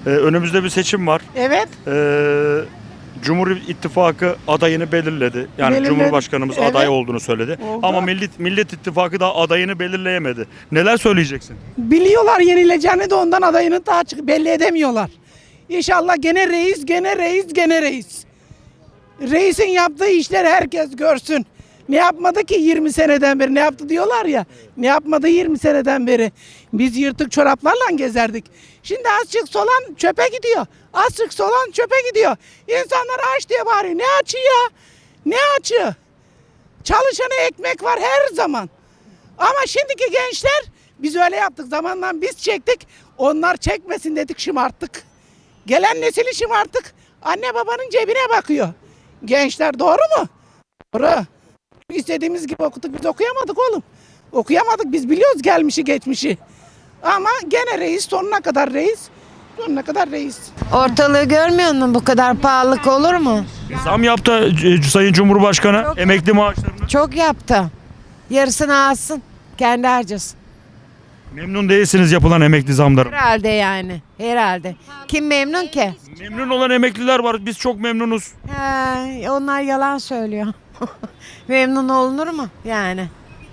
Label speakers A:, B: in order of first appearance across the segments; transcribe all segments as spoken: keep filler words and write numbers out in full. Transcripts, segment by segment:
A: Ee, önümüzde bir seçim var.
B: Evet.
A: Ee, Cumhur İttifakı adayını belirledi. Yani
B: Belirledi.
A: Cumhurbaşkanımız
B: Evet.
A: aday olduğunu söyledi.
B: Oldu.
A: Ama Millet Millet İttifakı da adayını belirleyemedi. Neler söyleyeceksin?
B: Biliyorlar yenileceğini de ondan adayını daha açık belli edemiyorlar. İnşallah gene reis, gene reis, gene reis. Reisin yaptığı işleri herkes görsün. Ne yapmadı ki yirmi seneden beri? Ne yaptı diyorlar ya. Ne yapmadı yirmi seneden beri? Biz yırtık çoraplarla gezerdik. Şimdi azıcık solan çöpe gidiyor. Azıcık solan çöpe gidiyor. İnsanlar aç diye bağırıyor. Ne açı ya? Ne açı? Çalışana ekmek var her zaman. Ama şimdiki gençler biz öyle yaptık. Zamanla biz çektik. Onlar çekmesin dedik, şımarttık. Gelen nesili şımarttık. Anne babanın cebine bakıyor. Gençler doğru mu? Doğru. İstediğimiz gibi okuduk, biz okuyamadık oğlum. Okuyamadık, biz biliyoruz gelmişi geçmişi. Ama gene reis, sonuna kadar reis. Sonuna kadar reis.
C: Ortalığı görmüyor musun? Bu kadar pahalılık olur mu?
A: Zam yaptı e, Sayın Cumhurbaşkanı
C: Çok-
A: emekli maaşlarını.
C: Çok yaptı. Yarısını alsın. Kendi harcasın.
A: Memnun değilsiniz yapılan emekli zamlarından.
C: Herhalde yani. Herhalde. Kim memnun ki?
A: Memnun olan emekliler var. Biz çok memnunuz.
C: He, onlar yalan söylüyor. Memnun olunur mu? Yani.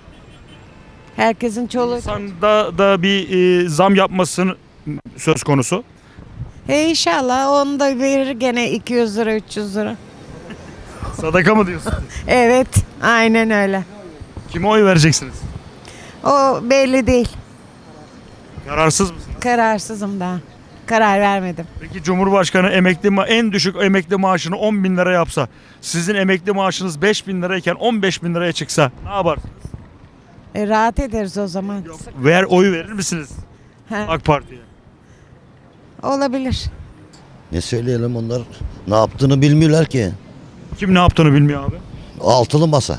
C: Herkesin çoluğu.
A: İnsanda da bir e, zam yapmasını söz konusu.
C: E inşallah onu da verir gene iki yüz lira üç yüz lira.
A: Sadaka mı diyorsun?
C: Evet. Aynen öyle.
A: Kime oy vereceksiniz?
C: O belli değil.
A: Kararsız mısınız?
C: Kararsızım daha. Karar vermedim.
A: Peki Cumhurbaşkanı emekli ma en düşük emekli maaşını on bin lira yapsa, sizin emekli maaşınız beş bin lirayken on beş bin liraya çıksa ne yaparsınız?
C: E, rahat ederiz o zaman.
A: Ver oy verir misiniz
C: He,
A: AK Parti'ye?
C: olabilir.
D: Ne söyleyelim, onlar ne yaptığını bilmiyorlar ki.
A: Kim ne yaptığını bilmiyor abi.
D: Altılı masa.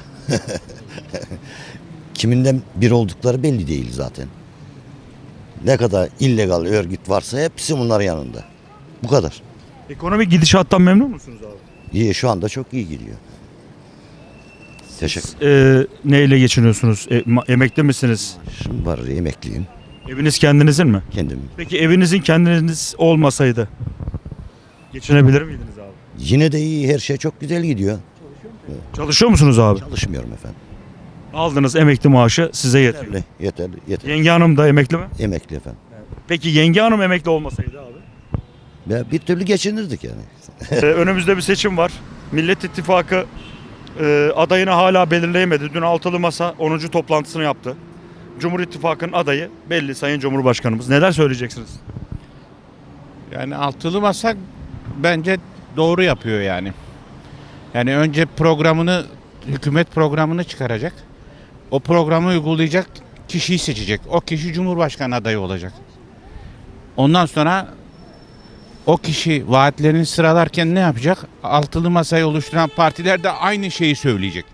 D: Kiminden bir oldukları belli değil zaten. Ne kadar illegal örgüt varsa hepsi bunların yanında. Bu kadar.
A: Ekonomik gidişattan memnun musunuz abi?
D: İyi, şu anda çok iyi gidiyor. Teşekkür
A: Ee, neyle geçiniyorsunuz? E, ma- emekli misiniz?
D: ederim. Var, emekliyim.
A: Eviniz kendinizin mi?
D: Kendim.
A: Peki evinizin kendiniz olmasaydı geçinebilir miydiniz abi?
D: Yine de iyi, her şey çok güzel gidiyor.
A: Çalışıyor musunuz abi?
D: Çalışmıyorum efendim.
A: Aldığınız emekli maaşı size yetiyor.
D: Yeterli, yeterli, yeterli.
A: Yenge hanım da emekli mi?
D: Emekli efendim.
A: Peki yenge hanım emekli olmasaydı abi?
D: Ve bir türlü geçinirdik yani.
A: Ee, önümüzde bir seçim var. Millet İttifakı e, adayını hala belirleyemedi. Dün altılı masa onuncu toplantısını yaptı. Cumhur İttifakı'nın adayı belli Sayın Cumhurbaşkanımız. Neler söyleyeceksiniz?
E: Yani altılı masa bence doğru yapıyor yani. Yani önce programını, hükümet programını çıkaracak. O programı uygulayacak kişiyi seçecek. O kişi Cumhurbaşkanı adayı olacak. Ondan sonra o kişi vaatlerini sıralarken ne yapacak? Altılı masayı oluşturan partiler de aynı şeyi söyleyecek.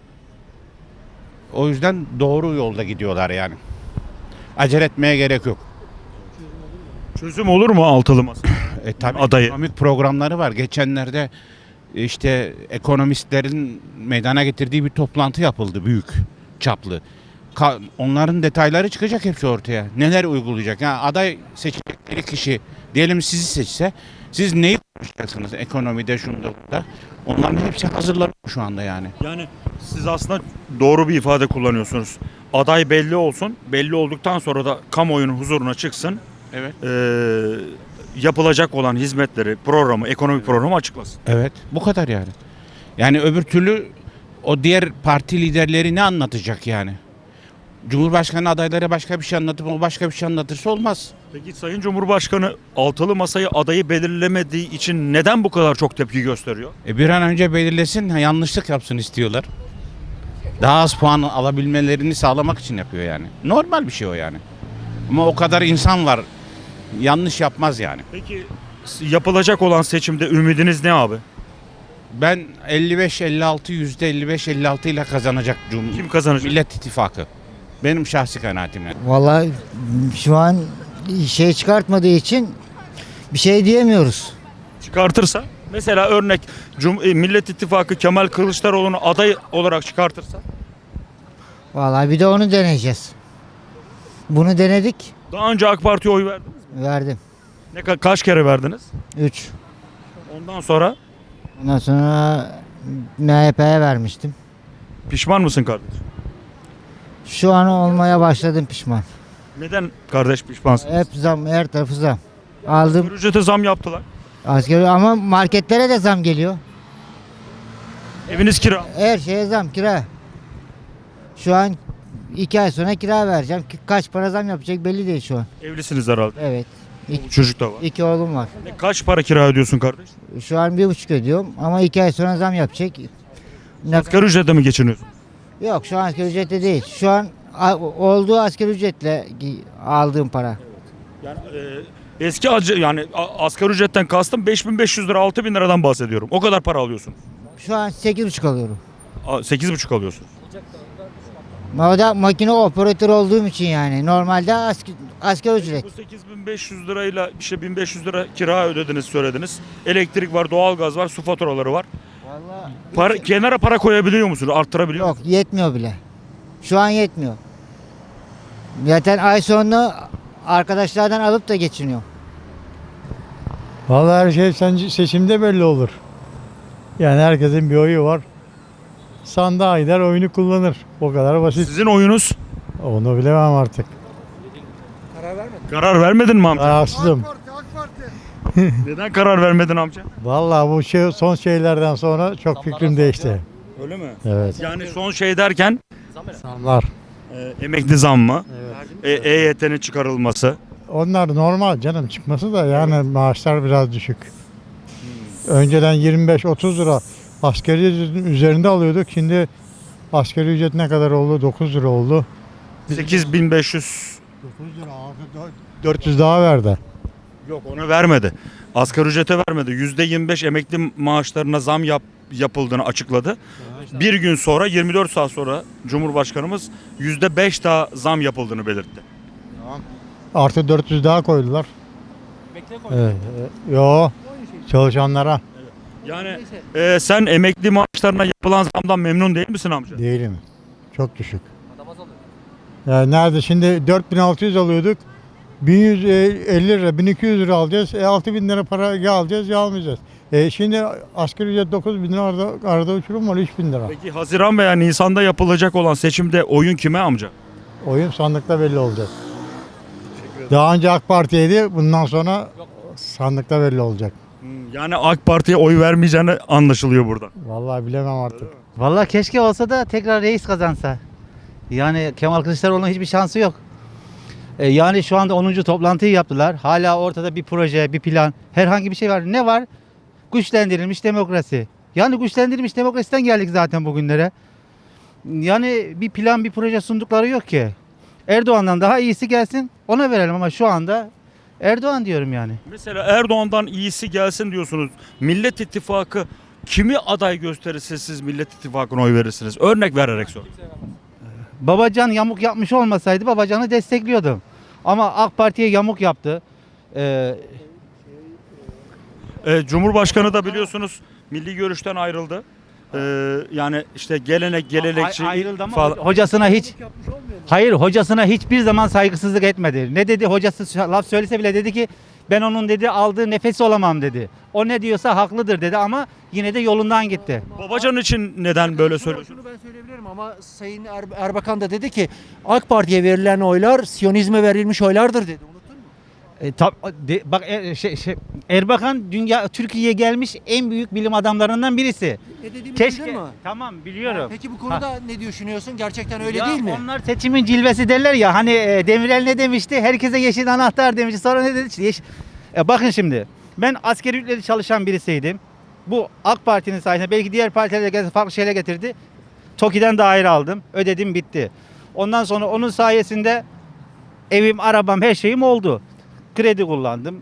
E: O yüzden doğru yolda gidiyorlar yani. Acele etmeye gerek yok.
A: Çözüm olur mu altılı masa?
E: E tabii
A: Adayı.
E: ekonomik programları var. Geçenlerde işte ekonomistlerin meydana getirdiği bir toplantı yapıldı, büyük çaplı. Ka- onların detayları çıkacak hepsi ortaya. Neler uygulayacak? Yani aday seçecekleri kişi diyelim sizi seçse, siz neyi konuşacaksınız ekonomide, şunda burada? Onların hepsi hazırlanıyor şu anda yani.
A: Yani siz aslında doğru bir ifade kullanıyorsunuz. Aday belli olsun. Belli olduktan sonra da kamuoyunun huzuruna çıksın.
E: Evet.
A: Ee, yapılacak olan hizmetleri, programı, ekonomik programı açıklasın.
E: Evet. Bu kadar yani. Yani öbür türlü o diğer parti liderleri ne anlatacak yani? Cumhurbaşkanı adayları başka bir şey anlatıp o başka bir şey anlatırsa olmaz.
A: Peki Sayın Cumhurbaşkanı altılı masayı adayı belirlemediği için neden bu kadar çok tepki gösteriyor?
E: E bir an önce belirlesin, ha, yanlışlık yapsın istiyorlar. Daha az puan alabilmelerini sağlamak için yapıyor yani. Normal bir şey o yani. Ama o kadar insan var. Yanlış yapmaz yani.
A: Peki yapılacak olan seçimde ümidiniz ne abi?
E: Ben elli beş elli altı yüzde elli beş elli altı ile kazanacak Cum
A: Kim kazanacak?
E: Millet İttifakı. Benim şahsi kanaatim yani.
F: Vallahi şu an şey çıkartmadığı için bir şey diyemiyoruz.
A: Çıkartırsa mesela örnek Cum e, Millet İttifakı Kemal Kılıçdaroğlu'nu aday olarak çıkartırsa
F: Vallahi bir de onu deneyeceğiz. Bunu denedik,
A: daha önce AK Parti'ye oy verdiniz mi?
F: verdim.
A: Ne ka- kaç kere verdiniz?
F: üç.
A: Ondan sonra
F: Ondan sonra M H P'ye vermiştim.
A: pişman mısın kardeş?
F: Şu an olmaya başladım pişman.
A: Neden kardeş pişmansın?
F: Hep zam, her tarafı zam. Aldım
A: Ücrete zam yaptılar.
F: askeri ama marketlere de zam geliyor.
A: Eviniz kira.
F: Her şeye zam, kira. Şu an iki ay sonra kira vereceğim. Ki- Kaç para zam yapacak belli değil şu an.
A: Evlisiniz herhalde.
F: Evet. İki,
A: Çocuk da var.
F: iki oğlum var.
A: Ne, kaç para kira ödüyorsun kardeş?
F: Şu an bir buçuk ödüyorum ama iki ay sonra zam yapacak. Ne,
A: Asgari ücretle mi geçiniyorsun?
F: yok şu an asgari ücretle değil. Şu an a- olduğu asgari ücretle gi- aldığım para.
A: Yani e, eski acı yani a- asgari ücretten kastım beş bin beş yüz lira altı bin liradan bahsediyorum. O kadar para alıyorsun.
F: Şu an sekiz buçuk alıyorum.
A: A- sekiz buçuk alıyorsun.
F: O da makine operatör olduğum için yani. Normalde asgari, asgari ücret.
A: Bu sekiz bin beş yüz lirayla işte bin beş yüz lira kira ödediniz söylediniz. Elektrik var, doğalgaz var, su faturaları var.
F: Vallahi
A: Para, kenara para koyabiliyor musunuz? Arttırabiliyor
F: yok
A: musunuz?
F: yetmiyor bile. Şu an yetmiyor. Zaten ay sonu arkadaşlardan alıp da geçiniyor.
G: Vallahi her şey sence- seçimde belli olur. Yani herkesin bir oyu var. Sandığa gider oyunu kullanır. O kadar basit.
A: Sizin oyunuz
G: Onu bilemem artık.
A: karar vermedin mi amca?
G: Rahatsızım.
A: Neden karar vermedin amca?
G: Vallahi bu şey, son şeylerden sonra çok fikrim değişti.
A: Öyle mi?
G: Evet.
A: Yani son şey derken
G: Zamlar.
A: e, emekli zammı, e, EYT'nin çıkarılması.
G: Onlar normal canım çıkması da yani maaşlar biraz düşük. Önceden yirmi beş otuz lira asgari ücretin üzerinde alıyorduk. Şimdi asgari ücret ne kadar oldu? dokuz lira oldu.
A: sekiz bin beş yüz
G: dokuz lira dört yüz daha verdi.
A: yok onu vermedi. Asgari ücrete vermedi. yüzde yirmi beş emekli maaşlarına zam yap, yapıldığını açıkladı. Bir gün sonra yirmi dört saat sonra Cumhurbaşkanımız yüzde beş daha zam yapıldığını belirtti.
G: Artı dört yüz daha koydular. Evet. evet. Yo çalışanlara
A: Yani e, sen emekli maaşlarına yapılan zamdan memnun değil misin amca?
G: değilim. Çok düşük. Yani nerede şimdi dört bin altı yüz alıyorduk. bin yüz elli lira, bin iki yüz lira alacağız. E altı bin lira para ya alacağız ya almayacağız. E şimdi asgari ücret dokuz bin lira arada, arada uçurum var üç bin lira.
A: Peki Haziran veya Nisan'da yapılacak olan seçimde oyun kime amca?
G: Oyun sandıkta belli olacak. Daha önce AK Parti'ydi. Bundan sonra sandıkta belli olacak.
A: Hmm, Yani AK Parti'ye oy vermeyeceğini anlaşılıyor buradan.
G: Vallahi bilemem artık.
H: Vallahi keşke olsa da tekrar reis kazansa. Yani Kemal Kılıçdaroğlu'nun hiçbir şansı yok. E, yani şu anda onuncu toplantıyı yaptılar. Hala ortada bir proje, bir plan, herhangi bir şey var. Ne var? Güçlendirilmiş demokrasi. Yani güçlendirilmiş demokrasiden geldik zaten bugünlere. Yani bir plan, bir proje sundukları yok ki. Erdoğan'dan daha iyisi gelsin, ona verelim ama şu anda Erdoğan diyorum yani.
A: Mesela Erdoğan'dan iyisi gelsin diyorsunuz. Millet İttifakı kimi aday gösterirse siz Millet İttifakı'na oy verirsiniz? Örnek vererek sor.
H: Babacan yamuk yapmış olmasaydı Babacan'ı destekliyordum. Ama AK Parti'ye yamuk yaptı. Ee,
A: Ee, Cumhurbaşkanı da biliyorsunuz milli görüşten ayrıldı. Ee, yani işte gelenek, gelenekçi
H: a- ayrıldı ama
A: falan.
H: hocasına hiç Hayır, hocasına hiçbir zaman saygısızlık etmedi. Ne dedi? Hocası laf söylese bile dedi ki ben onun dedi aldığı nefesi olamam dedi. O ne diyorsa haklıdır dedi ama yine de yolundan gitti.
A: Babacan için neden böyle söylüyorsunuz?
I: Şunu ben söyleyebilirim ama Sayın Er- Erbakan da dedi ki AK Parti'ye verilen oylar Siyonizme verilmiş oylardır dedi. Unuttun mu?
H: E, tab- de- bak e, şey, şey, Erbakan dünya Türkiye'ye gelmiş en büyük bilim adamlarından birisi.
I: Ne dediğimi
H: Keşke.
I: duydun mu?
H: Tamam biliyorum.
I: Peki bu konuda ne düşünüyorsun? Gerçekten öyle
H: Ya
I: değil mi?
H: Onlar seçimin cilvesi derler ya hani e, Demirel ne demişti? Herkese yeşil anahtar demişti. Sonra ne dedi? İşte yeş- E, bakın şimdi ben askeri ücretli çalışan birisiydim. Bu AK Parti'nin sayesinde belki diğer partiler de gelse farklı şeyler getirdi. TOKİ'den daire aldım. Ödedim bitti. Ondan sonra onun sayesinde evim, arabam, her şeyim oldu. Kredi kullandım.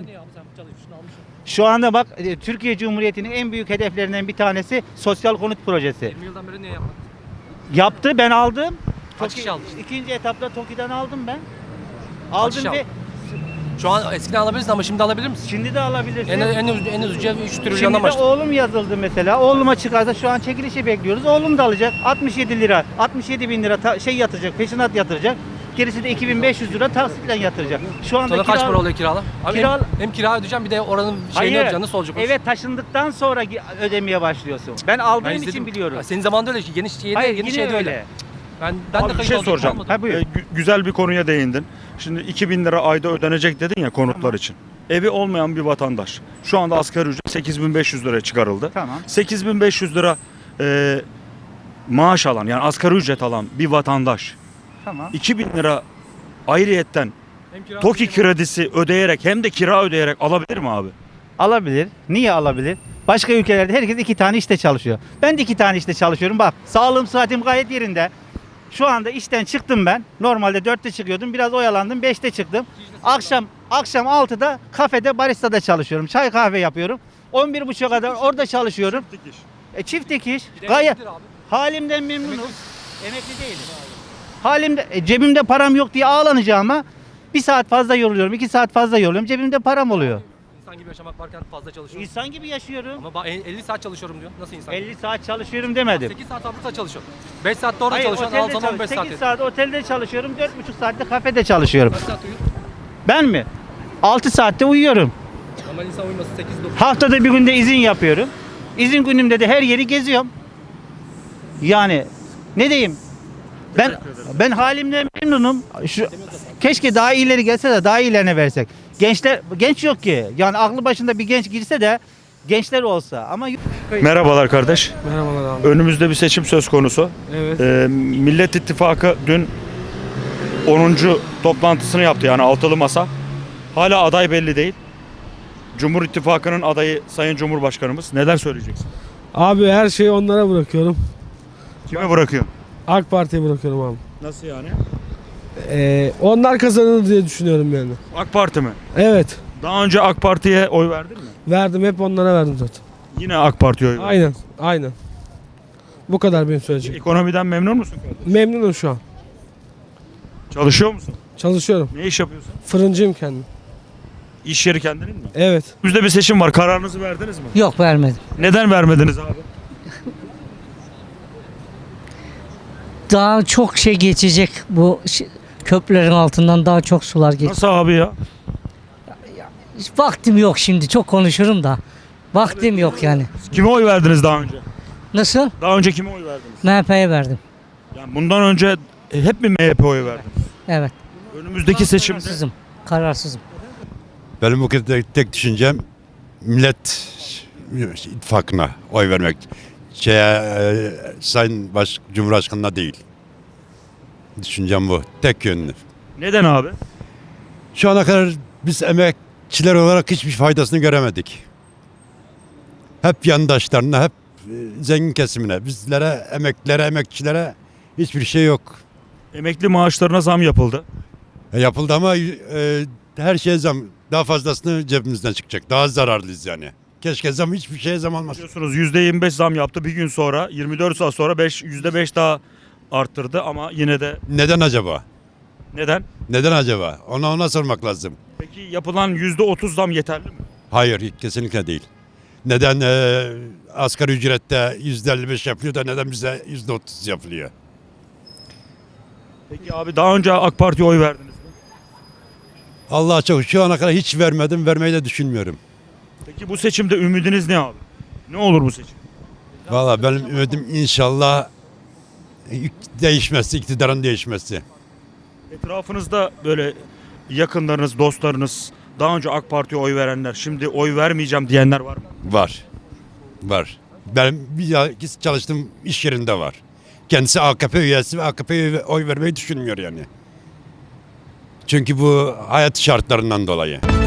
H: Şu anda bak e, Türkiye Cumhuriyeti'nin en büyük hedeflerinden bir tanesi sosyal konut projesi.
J: yirmi yıldan beri niye yapmadın?
H: Yaptı, ben aldım.
J: Kaç
H: TOKİ-
J: kişi aldı?
H: İkinci etapta TOKİ'den aldım ben.
J: Kaç
H: Aldım
J: kişi
H: ve
J: aldı? Şu an eskiden alabilirsin ama şimdi alabilir misin?
H: şimdi de alabilirsin.
J: En en en, en ucuya üç
H: Şimdi
J: trilyondan
H: de
J: başladı.
H: oğlum yazıldı mesela. Oğluma çıkarsa şu an çekilişi bekliyoruz. Oğlum da alacak. altmış yedi lira, altmış yedi bin lira ta- şey yatıracak, peşinat yatıracak. Gerisi de iki bin beş yüz lira taksitle yatıracak. Şu anda
J: Sonra kaç
H: kira-
J: para oluyor kiralar? Abi
H: Kira-
J: hem, hem kira ödeyeceğim bir de oranın şeyini
H: Hayır.
J: ödeyeceğim. Nasıl olacak o?
H: Eve taşındıktan sonra gi- ödemeye başlıyorsun. Ben aldığım
J: Ben
H: için
J: izledim.
H: biliyorum.
J: Ha, senin zamanında öyle. Yeni, yeni,
H: Hayır
J: yeni
H: yine
J: şeyde
H: öyle.
J: öyle. Ben, ben
A: Abi
J: de
A: bir
J: kayıt
A: şey
J: oldum,
A: soracağım.
J: olmadı.
H: Ha, buyur.
A: Ee, gü- güzel bir konuya değindin. Şimdi iki bin lira ayda ödenecek dedin ya konutlar için. Evi olmayan bir vatandaş. Şu anda asgari ücret sekiz bin beş yüz liraya çıkarıldı.
H: Tamam.
A: sekiz bin beş yüz lira e, maaş alan yani asgari ücret alan bir vatandaş
H: Tamam.
A: iki bin lira ayrıyetten
J: Hem kira
A: TOKİ
J: ödeyeceğim.
A: kredisi ödeyerek hem de kira ödeyerek alabilir mi abi?
H: Alabilir. Niye alabilir? Başka ülkelerde herkes iki tane işte çalışıyor. Ben de iki tane işte çalışıyorum. Bak sağlığım sıhhatim gayet yerinde. Şu anda işten çıktım ben. Normalde dörtte çıkıyordum. Biraz oyalandım. beşte çıktım. Akşam akşam altıda kafede baristada çalışıyorum. Çay kahve yapıyorum. on bir buçuğa kadar orada çalışıyorum. E, çift dikiş.
J: Bir de
H: Gayet
J: emeklidir abi.
H: halimden memnunum. Emekli değilim. Halimde e, cebimde param yok diye ağlanacağıma bir saat fazla yoruluyorum. iki saat fazla yoruluyorum. Cebimde param oluyor.
J: İnsan gibi yaşamak varken fazla çalışıyorum.
H: İnsan gibi yaşıyorum.
J: Ama ba- elli saat çalışıyorum diyor. Nasıl insan?
H: elli saat çalışıyorum demedim.
J: sekiz saat fabrikada çalışıyorum. beş saat de orada
H: Hayır,
J: çalışıyorum. Al
H: otelde
J: zaman
H: çalış-
J: beş saat.
H: sekiz saat otelde çalışıyorum, dört buçuk saatte kafede çalışıyorum.
J: Kaç saat uyuyor?
H: Ben mi? altı saatte uyuyorum.
J: Normal insan uyuması sekiz dokuz.
H: Haftada bir günde izin yapıyorum. İzin günümde de her yeri geziyorum. Yani ne diyeyim? Ben ben halimden memnunum. Şu keşke daha iyileri gelse de daha iyilerine versek. Gençler genç yok ki. Yani aklı başında bir genç girse de gençler olsa ama
A: Merhabalar kardeş.
J: Merhabalar abi.
A: Önümüzde bir seçim söz konusu.
J: Evet.
A: Ee, Millet İttifakı dün onuncu toplantısını yaptı yani altılı masa. Hala aday belli değil. Cumhur İttifakı'nın adayı Sayın Cumhurbaşkanımız. Neler söyleyeceksin?
K: Abi her şeyi onlara bırakıyorum.
A: Kime bırakıyor?
K: AK Parti'ye bırakıyorum abi.
A: Nasıl yani?
K: Ee, onlar kazanır diye düşünüyorum yani.
A: AK Parti mi?
K: Evet.
A: Daha önce AK Parti'ye oy verdin mi?
K: Verdim, hep onlara verdim zaten.
A: Yine AK Parti'ye oy verdin.
K: Aynen. Aynen. Bu kadar benim söyleyeceğim.
A: Ekonomiden memnun musun?
K: Memnunum şu an.
A: Çalışıyor musun?
K: Çalışıyorum.
A: Ne iş yapıyorsun?
K: Fırıncıyım kendim.
A: İş yeri kendinin mi?
K: Evet.
A: Bizde bir seçim var. Kararınızı verdiniz mi?
C: Yok vermedim.
A: Neden vermediniz abi?
C: Daha çok şey geçecek bu ş- köprülerin altından daha çok sular geçecek.
A: Nasıl abi ya?
C: Vaktim yok şimdi çok konuşurum da. Vaktim yok yani.
A: Kime oy verdiniz daha önce?
C: Nasıl?
A: Daha önce kime oy verdiniz?
C: M H P'ye verdim.
A: Yani bundan önce hep mi M H P oy verdiniz?
C: Evet.
A: Önümüzdeki seçimde
C: Kararsızım. Kararsızım.
L: Benim bu kez tek, tek düşüncem Millet İttifakı'na oy vermek. Şeye, e, Sayın Baş, Cumhurbaşkanı'na değil. Düşüncem bu. Tek yönlü.
A: neden abi?
L: Şu ana kadar biz emekçiler olarak hiçbir faydasını göremedik. Hep yandaşlarına, hep e, zengin kesimine, bizlere, emeklilere, emekçilere hiçbir şey yok.
A: Emekli maaşlarına zam yapıldı.
L: E, yapıldı ama e, her şeye zam. Daha fazlasını cebimizden çıkacak. Daha zararlıyız yani. Keşke zam hiçbir şeye zam olmasın.
A: Biliyorsunuz yüzde yirmi beş zam yaptı. Bir gün sonra yirmi dört saat sonra beş yüzde beş daha arttırdı ama yine de
L: Neden acaba?
A: neden?
L: Neden acaba? Ona ona sormak lazım.
A: Peki yapılan yüzde otuz zam yeterli mi?
L: Hayır, kesinlikle değil. Neden e, asgari ücrette yüzde elli beş yapıyor da neden bize yüzde otuz yapılıyor?
A: Peki abi daha önce AK Parti'ye oy verdiniz mi?
L: Allah'a çok şu ana kadar hiç vermedim, vermeyi de düşünmüyorum.
A: Peki bu seçimde ümidiniz ne abi? Ne olur bu seçim?
L: Valla benim ümidim inşallah değişmesi, iktidarın değişmesi.
A: Etrafınızda böyle yakınlarınız, dostlarınız, daha önce AK Parti'ye oy verenler, şimdi oy vermeyeceğim diyenler var mı?
L: Var, var. Ben bir ya- çalıştığım iş yerinde var. Kendisi A K P üyesi ve A K P'ye oy vermeyi düşünmüyor yani. Çünkü bu hayat şartlarından dolayı.